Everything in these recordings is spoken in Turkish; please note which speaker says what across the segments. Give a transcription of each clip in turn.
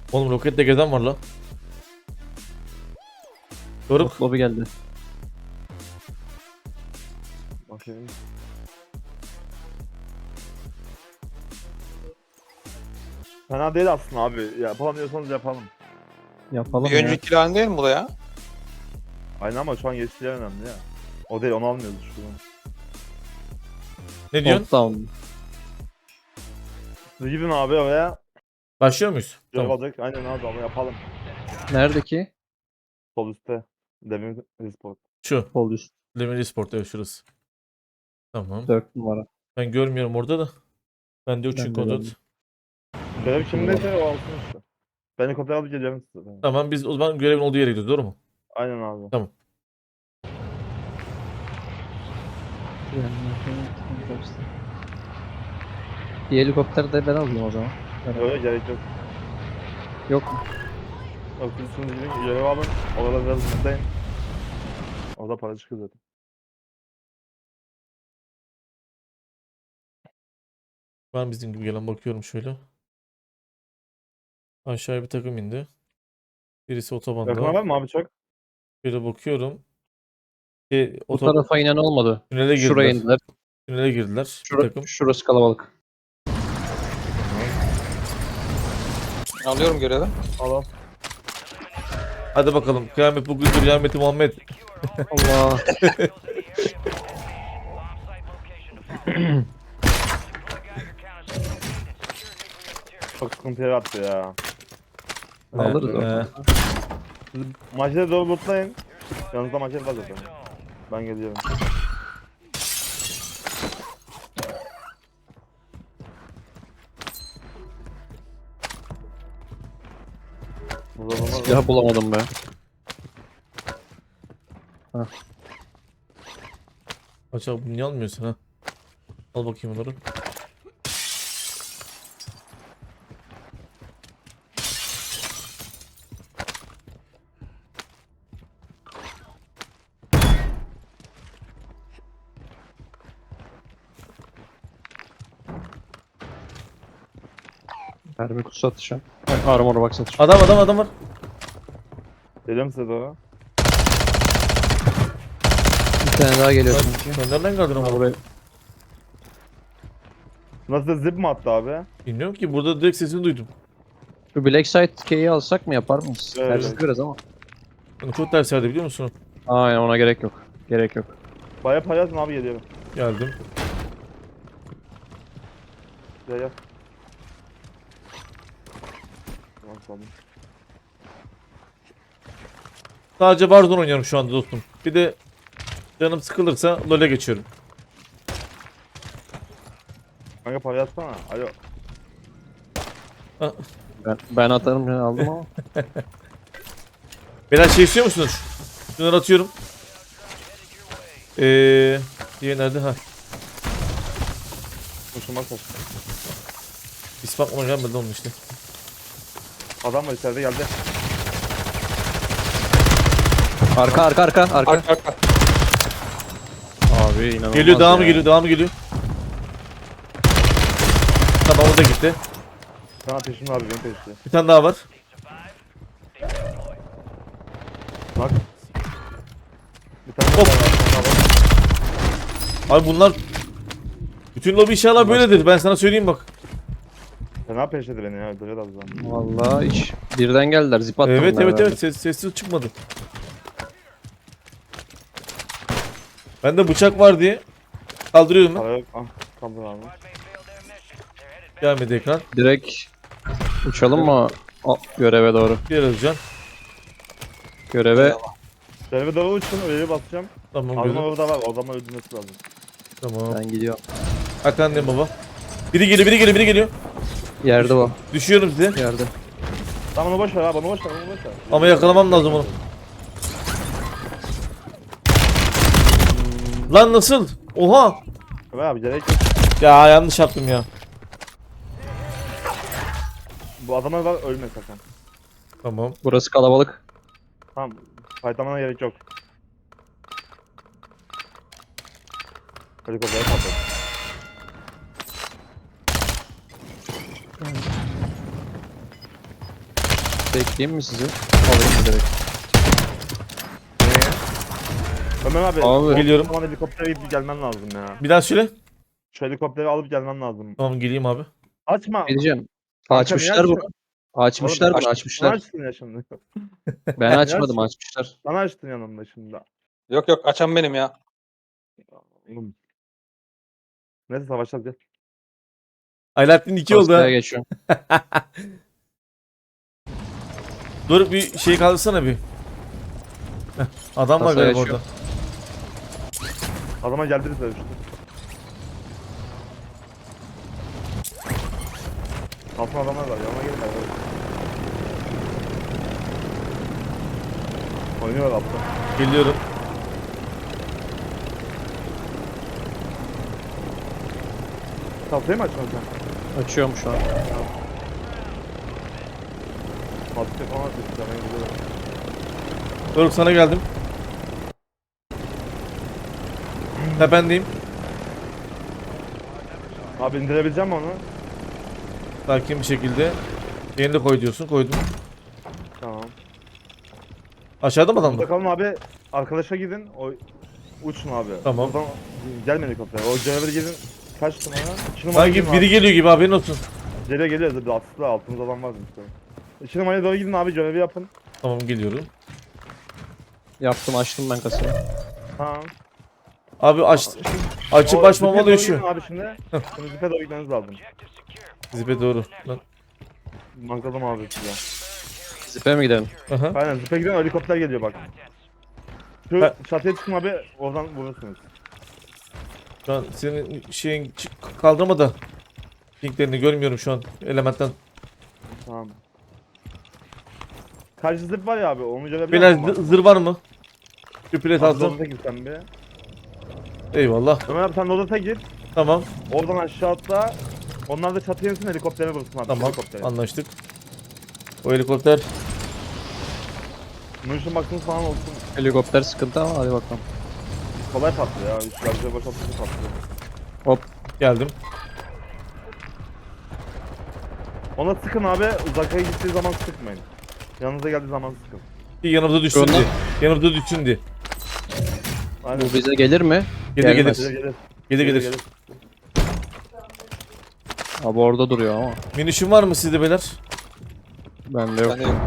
Speaker 1: Oğlum roketle gezen var la. Doruk.
Speaker 2: Lobi geldi.
Speaker 3: Bakayım. Fena değil aslında abi. Yapalım diyorsanız yapalım.
Speaker 2: Yapalım
Speaker 4: Bir
Speaker 2: ya.
Speaker 4: önceki lan değil mi bu da ya?
Speaker 3: Aynen ama şu an yeşiller önemli ya. O değil, onu almıyoruz şuradan.
Speaker 1: Ne diyorsun?
Speaker 2: Top down.
Speaker 3: Siz gidin abi oraya.
Speaker 1: Başlıyor muyuz?
Speaker 3: Görev
Speaker 1: Tamam.
Speaker 3: alacak. Aynen abi ama yapalım.
Speaker 2: Nerede ki?
Speaker 3: Sol üstte. Demir Resport.
Speaker 1: Şu.
Speaker 2: Sol üst.
Speaker 1: Demir Sport evet şurası. Tamam.
Speaker 2: 4 numara.
Speaker 1: Ben görmüyorum orada da. Ben de
Speaker 2: Ben
Speaker 1: uçun
Speaker 2: de
Speaker 1: kontrol.
Speaker 2: gördüm.
Speaker 3: Görev kimdeyse o alsın işte. Ben helikopter alıp geleceğim size.
Speaker 1: Tamam biz o zaman görevin olduğu yere gidiyoruz doğru mu?
Speaker 3: Aynen abi.
Speaker 2: Bir helikopter de ben alayım o zaman.
Speaker 3: Öyle gerek yok.
Speaker 2: Yok mu?
Speaker 3: Yok siz şimdi gidin görev alın. Orada biraz hızlayın. Orada para çıkıyor zaten.
Speaker 1: Ben bizim gibi gelen bakıyorum şöyle. Aşağıya bir takım indi. Birisi
Speaker 3: Yakına
Speaker 1: otobanda.
Speaker 3: var mı abi çok?
Speaker 1: Şöyle bakıyorum.
Speaker 2: Bu tarafa inen olmadı.
Speaker 1: Tünele
Speaker 2: Şuraya
Speaker 1: girdiler.
Speaker 2: indiler.
Speaker 1: Tünele girdiler. Bir takım.
Speaker 2: Şurası kalabalık.
Speaker 4: Alıyorum görevi.
Speaker 3: Al al.
Speaker 1: Hadi bakalım. Kıyamet bugündür. Kıyameti Muhammed.
Speaker 2: Allah.
Speaker 3: Çok sıkıntı yarattı ya.
Speaker 2: Alırız
Speaker 1: Ee,
Speaker 2: o.
Speaker 3: Siz maçları doğru lootlayın. Yanınızda maçet var zaten. Ben geliyorum. Burada adamlar var.
Speaker 2: Silah bulamadım be.
Speaker 1: Acaba bunu niye almıyorsun ha? Al bakayım onları.
Speaker 2: Mermi kutusu atacağım. Armor box atacağım.
Speaker 1: Adam var.
Speaker 3: Geliyorum size doğru.
Speaker 2: Bir tane daha geliyor sanki.
Speaker 1: Sen nereden geldin ama?
Speaker 2: Buraya.
Speaker 3: Nasıl zip mi attı abi?
Speaker 1: Bilmiyorum ki burada direkt sesini duydum.
Speaker 2: Şu Black Site K'yi alsak mı yapar mıyız?
Speaker 3: Evet.
Speaker 2: Tersi biraz ama.
Speaker 1: Yani çok ters yerde biliyor musun?
Speaker 2: Aynen ona gerek yok. Gerek yok.
Speaker 3: Baya paylaşın abi, geliyorum.
Speaker 1: Geldim.
Speaker 3: Gel gel. Tamam, tamam.
Speaker 1: Sadece Warzone oynuyorum şu anda dostum. Bir de canım sıkılırsa LoL'e geçiyorum.
Speaker 3: Kanka paylaşsana. Alo.
Speaker 2: Ben atarım ben aldım ama.
Speaker 1: Beyler şey istiyor musunuz? Şunları atıyorum. Diye nerede? Ha.
Speaker 3: Hoşuma kaçtı.
Speaker 1: İspat mı gelmedi onun işte.
Speaker 3: Adam var içeride, geldi.
Speaker 2: Arka.
Speaker 4: Arka arka.
Speaker 2: Abi inanılmaz
Speaker 1: Geliyor devamı
Speaker 2: ya.
Speaker 1: geliyor devamı geliyor. Tamam o da gitti.
Speaker 3: Sana peşimde abi, benim peşimde.
Speaker 1: Bir tane daha var.
Speaker 3: Bak. Bir tane
Speaker 1: Hop.
Speaker 3: daha var, bir tane daha var.
Speaker 1: Abi bunlar bütün lobi inşallah böyledir. Ben sana söyleyeyim bak.
Speaker 3: Fena peşledi beni ya, öldürüyor az zaman.
Speaker 2: Vallahi hiç. Birden geldiler zip attım.
Speaker 1: Evet
Speaker 2: ben
Speaker 1: evet
Speaker 2: herhalde.
Speaker 1: evet sessiz çıkmadı. Bende bıçak var diye kaldırıyorum ben.
Speaker 3: Para yok. Ah, kaldır abi.
Speaker 1: Gelmedi ekran.
Speaker 2: Direkt uçalım mı? Göreve doğru.
Speaker 1: Bir Özcan.
Speaker 2: Göreve
Speaker 3: Şöyle bir doğru uçsun, öyle basacağım.
Speaker 1: Tamam
Speaker 3: Adam
Speaker 1: gözüm.
Speaker 3: orada var, o zaman öldürmesi lazım.
Speaker 1: Tamam.
Speaker 2: ben gidiyorum.
Speaker 1: Hakan baba. Biri geliyor.
Speaker 2: Yerde o.
Speaker 1: Düşüyorum size.
Speaker 2: Yerde.
Speaker 3: Tamam onu boş ver abi, onu boş ver, onu boş ver.
Speaker 1: Ama yakalamam lazım onu. Lan nasıl? Oha.
Speaker 3: Ömer abi gerek yok.
Speaker 1: Ya yanlış yaptım ya.
Speaker 3: Bu adama var, ölme sakın.
Speaker 1: Tamam.
Speaker 2: Burası kalabalık.
Speaker 3: Tamam, fightlamana gerek yok. Helikoptere patladı.
Speaker 2: Bekleyeyim mi sizi? Alayım direkt.
Speaker 3: Neye? Ömer abi.
Speaker 2: Abi.
Speaker 1: Geliyorum.
Speaker 3: Bana helikoptere gidip gelmen lazım ya.
Speaker 1: Bir daha söyle.
Speaker 3: Şu helikopteri alıp gelmen lazım.
Speaker 1: Tamam geleyim abi.
Speaker 3: Açma.
Speaker 2: Ne diyeceğim?
Speaker 3: Kanka,
Speaker 2: Açmışlar
Speaker 3: niye
Speaker 2: bunu.
Speaker 3: açıyorsun?
Speaker 2: Açmışlar
Speaker 3: Oğlum,
Speaker 2: bunu
Speaker 3: Ne
Speaker 2: açmışlar.
Speaker 3: açtın ya şimdi?
Speaker 2: Ben açmadım
Speaker 3: açtın?
Speaker 2: açmışlar.
Speaker 3: Bana açtın yanımda şimdi.
Speaker 4: Yok yok açan benim ya.
Speaker 3: Oğlum. Neyse savaşacağız gel.
Speaker 1: Alaaddin 2 oldu
Speaker 2: Hastaya
Speaker 1: ha.
Speaker 2: geçiyorum.
Speaker 1: Dur bir şey kaldırsana bir. Heh, adam var
Speaker 2: Kasaya
Speaker 1: galiba
Speaker 2: yaşıyor.
Speaker 3: Adama geldi bize işte. Altın adamlar var. Yanına gelin abi. Oynuyor altta.
Speaker 1: Geliyorum.
Speaker 3: Tahtayı mı açmadın sen?
Speaker 2: Açıyorum şu an.
Speaker 3: Tahtayı falan açıyorsun. Ben gidiyorum.
Speaker 1: Doruk sana geldim. Tependeyim.
Speaker 3: Abi indirebileceğim mi onu?
Speaker 1: Sakin bir şekilde. Yeni de koy diyorsun. Koydum.
Speaker 3: Tamam.
Speaker 1: Aşağıda mı adam
Speaker 3: Burada
Speaker 1: var?
Speaker 3: kalın abi. Arkadaşa gidin. O uçun abi.
Speaker 1: Tamam.
Speaker 3: Buradan gelme helikopter. O görevde gidin. Kaç numara? 2 numara
Speaker 1: Sanki
Speaker 3: gidin
Speaker 1: biri
Speaker 3: abi.
Speaker 1: geliyor gibi haberin olsun.
Speaker 3: Geliyor. Dedi atlı altımızda adam var işte. 2 numaraya doğru gidin abi. Görevi yapın.
Speaker 1: Tamam geliyorum.
Speaker 2: Yaptım açtım ben kasayı.
Speaker 3: Tamam.
Speaker 1: Abi açıp
Speaker 3: O
Speaker 1: açmamalı
Speaker 3: zipe doğru
Speaker 1: yaşıyor.
Speaker 3: gidin abi şimdi. Şimdi zipe doğru gitmeniz lazım.
Speaker 1: Zipe doğru. Lan.
Speaker 3: Mankladım abi size.
Speaker 2: Zipe mi gidelim?
Speaker 1: Aha.
Speaker 3: Aynen zipe gidin helikopter geliyor bak. Şu
Speaker 1: Ben-
Speaker 3: çatıya çıkın abi. Oradan vurursunuz.
Speaker 1: Şu an senin şeyin kaldırma da. Linklerini görmüyorum şu an elementten.
Speaker 3: Tamam. Karşı zip var ya abi. Onu görebiliyor
Speaker 1: Beyler
Speaker 3: musun?
Speaker 1: zırh var mı? Bir plet
Speaker 3: Abi
Speaker 1: aldım.
Speaker 3: Lodot'a gir sen bir.
Speaker 1: Eyvallah.
Speaker 3: Ömer abi sen Lodot'a gir.
Speaker 1: Tamam.
Speaker 3: Oradan aşağı atla. Onlar da çatıya insin helikoptere vursun abi.
Speaker 1: Tamam.
Speaker 3: Helikoptere.
Speaker 1: Anlaştık. O helikopter
Speaker 3: Munition baktığınız falan olsun.
Speaker 2: Helikopter sıkıntı ama hadi bakalım.
Speaker 3: Kolay patlıyor ya. Üç garajı boşaltınca patlıyor.
Speaker 2: Hop.
Speaker 1: geldim.
Speaker 3: Ona sıkın abi. Uzakaya gittiği zaman sıkmayın. Yanınıza geldiği zaman sıkın.
Speaker 1: Bir yanımda düşsün
Speaker 2: Şuradan-
Speaker 1: diye. Yanımda düşsün diye.
Speaker 3: Aynen.
Speaker 2: Bu bize gelir mi?
Speaker 1: Gelir
Speaker 2: Gelmez.
Speaker 1: gelir.
Speaker 3: Gelir.
Speaker 1: Gelir gelir.
Speaker 2: Abi orada duruyor ama.
Speaker 1: Minişim var mı sizde beyler?
Speaker 2: Bende yok.
Speaker 4: Yani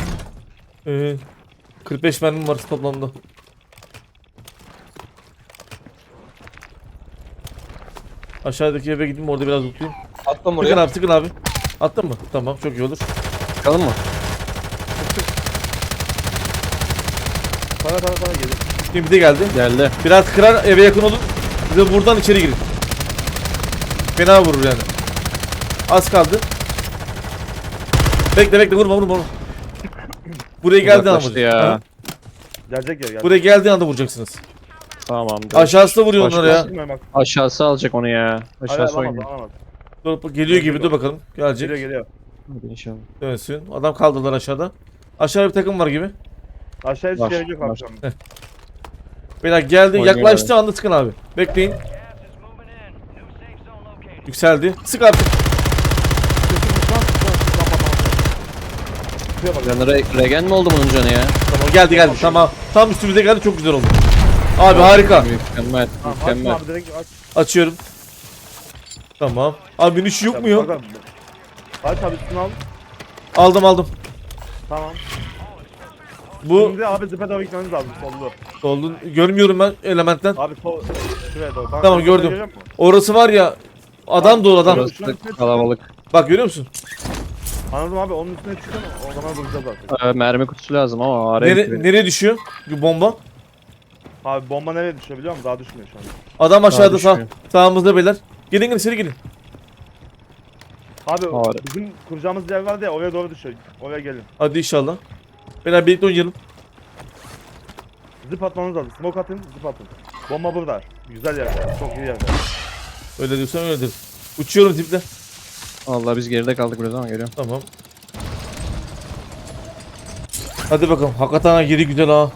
Speaker 1: 45 mermim var toplamda. Aşağıdaki eve gideyim orada biraz lootlayayım.
Speaker 4: attım
Speaker 1: Sıkın
Speaker 4: buraya.
Speaker 1: abi sıkın abi. Attın mı? Tamam çok iyi olur.
Speaker 2: Çıkalım mı?
Speaker 3: Para gelir.
Speaker 1: Şimdi bir de geldi.
Speaker 2: Geldi.
Speaker 1: Biraz kırar eve yakın olun. Bize buradan içeri girin. Fena vurur yani. Az kaldı. Bekle vurma. Buraya geldiği anda
Speaker 2: Uzaklaştı
Speaker 1: vuracaksınız.
Speaker 2: ya.
Speaker 1: Ha?
Speaker 3: Gelecek ya gelecek.
Speaker 1: Buraya geldiği anda vuracaksınız.
Speaker 2: Tamam.
Speaker 1: Aşağısı da vuruyor
Speaker 2: Başka-
Speaker 1: onlara ya.
Speaker 3: Çıkmayın bak.
Speaker 2: Aşağısı alacak onu ya.
Speaker 3: Hayır
Speaker 2: Aşağısı
Speaker 3: alamaz
Speaker 2: oynuyor.
Speaker 3: alamaz.
Speaker 1: Dur, geliyor gibi dur bakalım. Gelecek.
Speaker 3: Geliyor.
Speaker 2: Hadi inşallah.
Speaker 1: Dönsün. Adam kaldırdılar aşağıda. Aşağıda bir takım var gibi.
Speaker 3: Aşağıya hiç
Speaker 2: Var,
Speaker 3: gerek yok
Speaker 2: var.
Speaker 3: abi şu an.
Speaker 1: Beyler geldi
Speaker 2: Oynuyor
Speaker 1: yaklaştı anda sıkın abi. Bekleyin. Yükseldi. Sık artık.
Speaker 3: Şuraya bak.
Speaker 2: Canı regen mi oldu bunun canı ya?
Speaker 1: Tamam geldi tamam. Tam üstümüze geldi çok güzel oldu. Abi harika.
Speaker 2: Mükemmel.
Speaker 3: Tamam açma
Speaker 2: Mükemmel.
Speaker 3: abi direkt aç.
Speaker 1: Açıyorum. Tamam. Abi biniş yok mu ya?
Speaker 3: Bak abi. Aç abi üstünü al.
Speaker 1: Aldım.
Speaker 3: Tamam.
Speaker 1: Bu
Speaker 3: Şimdi abi zipe doğru gitmeniz lazım sollu.
Speaker 1: oldu. Görmüyorum ben elementten.
Speaker 3: Abi sol şuraya doğru.
Speaker 1: Tamam,
Speaker 3: helikopter
Speaker 1: gördüm.
Speaker 3: görüyor musun?
Speaker 1: Orası var ya. Adam dolu adam.
Speaker 2: Burası da kalabalık.
Speaker 1: Bak görüyor musun?
Speaker 3: Anladım abi onun üstüne çıkın o zaman vuracağız artık.
Speaker 2: Mermi kutusu lazım ama araya gitti.
Speaker 1: Nereye düşüyor? Bir bomba.
Speaker 3: Abi bomba nereye düşüyor biliyor musun? Daha düşmüyor şu an.
Speaker 1: Adam aşağıda
Speaker 2: düşüyor.
Speaker 1: sağımızda beyler. Gelin içeri gelin.
Speaker 3: Abi
Speaker 2: Abi.
Speaker 3: bizim kuracağımız yer vardı ya oraya doğru düşüyor. Oraya gelin.
Speaker 1: Hadi inşallah. Beyler birlikte oynayalım.
Speaker 3: Zip atmanız lazım. Smoke atın, zip atın. Bomba burada. Güzel yerde. Çok iyi yerde.
Speaker 1: Öyle diyorsan öyledir. Uçuyorum tiple.
Speaker 2: Allah biz geride kaldık biraz ama geliyorum.
Speaker 1: Tamam. Hadi bakalım. Hakikaten ha, yeri güzel ha.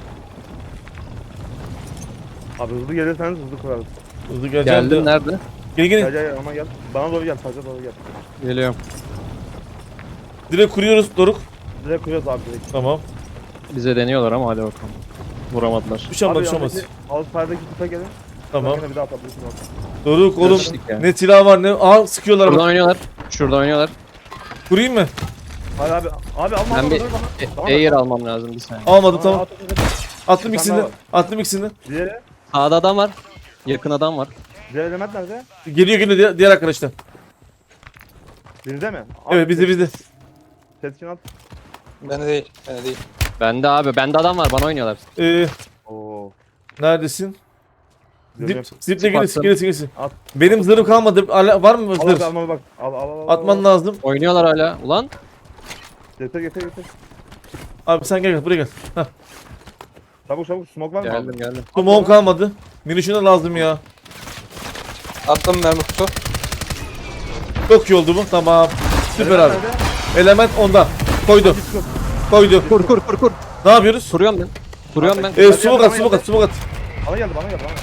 Speaker 3: Abi hızlı gelirseniz hızlı kurarız.
Speaker 1: Hızlı geleceğim
Speaker 2: Geldim
Speaker 1: de
Speaker 2: nerede?
Speaker 1: Gel
Speaker 3: Gel
Speaker 1: gel.
Speaker 3: gel aman gel. Bana doğru gel. Taca doğru gel.
Speaker 2: Geliyorum.
Speaker 1: Direkt kuruyoruz Doruk.
Speaker 3: Direkt kuruyoruz abi direkt.
Speaker 1: Tamam.
Speaker 2: Bize deniyorlar ama hadi bakalım. Vuramadılar.
Speaker 1: Bir şey olmaz bir şey olmaz.
Speaker 3: Ağustos'taki kupa gelin.
Speaker 1: Tamam.
Speaker 3: Sonra bir daha atabilirsin bak.
Speaker 1: Doruk oğlum.
Speaker 2: Geçtik ya.
Speaker 1: Ne silah var ne. Aha sıkıyorlar
Speaker 2: Şuradan
Speaker 1: bak.
Speaker 2: oynuyorlar. Şurada oynuyorlar.
Speaker 1: Kurayım mı?
Speaker 3: Hadi abi. Abi alma
Speaker 2: Ben
Speaker 3: alma
Speaker 2: bir
Speaker 3: dur bana. Tamam,
Speaker 2: Air almam lazım bir saniye.
Speaker 1: Almadım tamam.
Speaker 3: at.
Speaker 1: Attım
Speaker 3: Bir
Speaker 1: ikisini.
Speaker 3: tane daha
Speaker 1: Attım ikisini.
Speaker 3: Diğeri.
Speaker 2: Sağda adam var. Yakın adam var.
Speaker 3: Diğer element nerede?
Speaker 1: Geliyor diğer arkadaşlar.
Speaker 3: Bizde mi?
Speaker 1: Evet bizde.
Speaker 3: Setkin at.
Speaker 4: Bende değil. Bende değil.
Speaker 2: Bende abi. Bende adam var. Bana oynuyorlar.
Speaker 3: Oo.
Speaker 1: Neredesin?
Speaker 3: Görüyorum.
Speaker 1: Ziple gelirsin.
Speaker 3: At.
Speaker 1: Benim zırhım kalmadı. Var mı
Speaker 3: Al abi
Speaker 1: zırh?
Speaker 3: alma bak. Al.
Speaker 1: Atman lazım.
Speaker 2: Oynuyorlar hala. Ulan.
Speaker 3: Getir.
Speaker 1: Abi sen gel buraya gel. Heh.
Speaker 3: Çabuk smoke var mı?
Speaker 2: Geldim geldim.
Speaker 1: Smoke'um kalmadı. Minişine lazım ya.
Speaker 4: Attım mermi kutu.
Speaker 1: Çok iyi oldu bu. Tamam. Süper abi.
Speaker 3: Nerede?
Speaker 1: Element onda. Koydu. Koydu.
Speaker 2: Kur.
Speaker 1: Ne yapıyoruz?
Speaker 2: Kuruyorum ben. Kuruyorum ben.
Speaker 1: Smoke at.
Speaker 3: Bana geldi.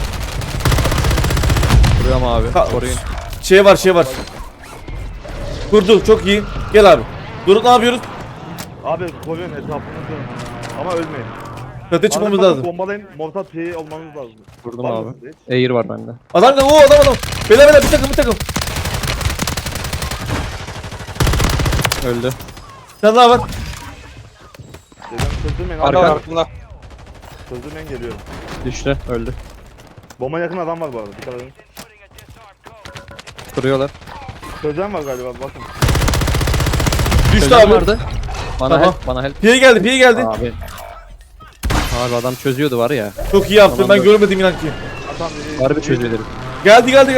Speaker 2: Kuruyorum abi. Koruyun.
Speaker 1: Şey var. Kurdu. Çok iyi. Gel abi. Doruk ne yapıyoruz?
Speaker 3: Abi koruyorum etrafını dön. Ama ölmeyin.
Speaker 1: Çatıya çıkmamız
Speaker 3: Arada
Speaker 1: lazım.
Speaker 3: Bombalayın. Mortar P'yi olmanız lazım.
Speaker 2: Vurdum
Speaker 3: Var
Speaker 2: abi.
Speaker 3: mı sizde hiç?
Speaker 2: Air var bende.
Speaker 1: Adam gel. Adam. Bela bir takım.
Speaker 2: Öldü.
Speaker 1: Sen daha var.
Speaker 3: Geliyorum çözdürmeyin.
Speaker 4: Arka
Speaker 3: Arka.
Speaker 4: var aklımda.
Speaker 3: Çözdürmeyin geliyorum.
Speaker 2: Düştü. Öldü.
Speaker 3: Bomba yakın adam var bu arada. Dikkat edin.
Speaker 2: Kuruyorlar.
Speaker 3: Çözen var galiba bakın.
Speaker 1: Düştü
Speaker 2: Çözen
Speaker 1: abi.
Speaker 2: vardı. Bana
Speaker 1: Tamam.
Speaker 2: help. Bana help.
Speaker 1: Piye geldi.
Speaker 2: Abi. Abi adam çözüyordu var ya.
Speaker 1: Çok iyi yaptın.
Speaker 2: Tamam,
Speaker 1: Ben
Speaker 2: dur.
Speaker 1: görmedim inan ki.
Speaker 3: Atan
Speaker 2: Harbi çözüyor dedim.
Speaker 1: Geldi.
Speaker 2: Ben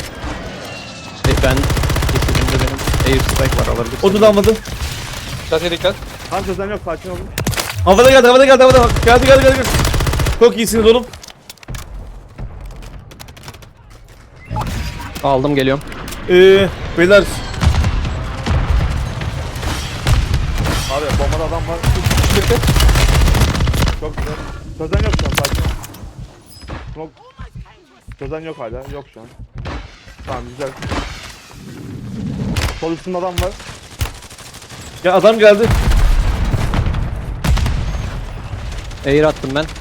Speaker 2: kesildiğimde benim air strike var alabilirsin.
Speaker 1: O da almadı.
Speaker 4: Çatıya dikkat.
Speaker 3: Kan çözen yok sakin olun.
Speaker 1: Havada geldi. Geldi. Çok iyisiniz oğlum.
Speaker 2: Aldım geliyorum.
Speaker 1: Beyler.
Speaker 3: Abi bombada adam var. Çok güzel. Çözen yok şu an sakin ol. Smoke. Çözen yok hala. Yok şu an. Tamam güzel. Sol üstünde adam var.
Speaker 1: Ya adam geldi.
Speaker 2: Air attım ben.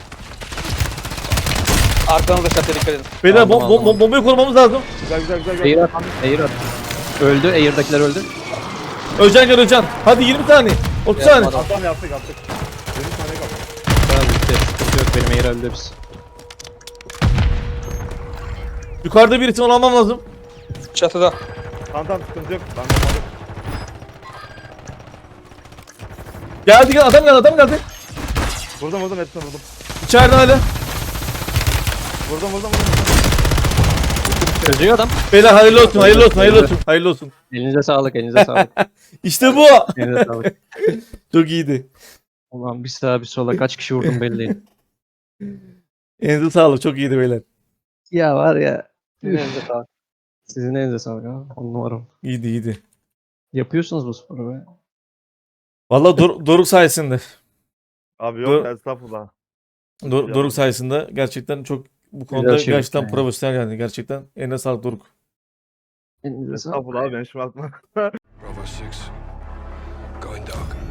Speaker 4: Arkanızda çatıya dikkat edin.
Speaker 1: Beyler
Speaker 2: Aldım, aldım.
Speaker 1: bombayı korumamız lazım.
Speaker 3: Güzel.
Speaker 2: Air attım. Air attım. Öldü. Air'dakiler öldü.
Speaker 1: Öcan. Hadi 20 saniye. 30 saniye.
Speaker 2: Yapmadım.
Speaker 3: Adam yaptık. 20 saniye kaldı.
Speaker 2: Abi bitti. Sıkıntı yok. Benim air öldü biz.
Speaker 1: Yukarıda bir ihtimal almam lazım.
Speaker 4: Çatıda.
Speaker 3: Tamam sıkıntı yok. Ben bombalı.
Speaker 1: Geldi adam geldi.
Speaker 3: Vurdum hepsini vurdum.
Speaker 1: İçeride hala.
Speaker 3: Vurdum.
Speaker 2: Çözüyor adam.
Speaker 1: Beyler hayırlı olsun.
Speaker 2: Elinize sağlık. Elinize sağlık.
Speaker 1: İşte bu.
Speaker 2: Elinize sağlık.
Speaker 1: Çok iyiydi.
Speaker 2: Ulan bir sağa bir sola kaç kişi vurdum belli değil.
Speaker 1: Elinize sağlık. Çok iyiydi beyler.
Speaker 2: Ya var ya. Elinize sağlık. Sizin elinize sağlık ha. 10 numara.
Speaker 1: İyiydi.
Speaker 2: Yapıyorsunuz bu sporu be.
Speaker 1: Vallahi Doruk sayesinde.
Speaker 3: Abi
Speaker 1: Dur.
Speaker 3: yok estağfurullah.
Speaker 1: Doruk sayesinde gerçekten çok bu konuda
Speaker 2: Güzel şey
Speaker 1: gerçekten
Speaker 2: yani.
Speaker 1: profesyonel yani gerçekten. Eline sağlık Doruk.
Speaker 2: Elinize sağlık.
Speaker 3: Estağfurullah abi ben şimdi aklıma.
Speaker 5: Bravo 6, going dark.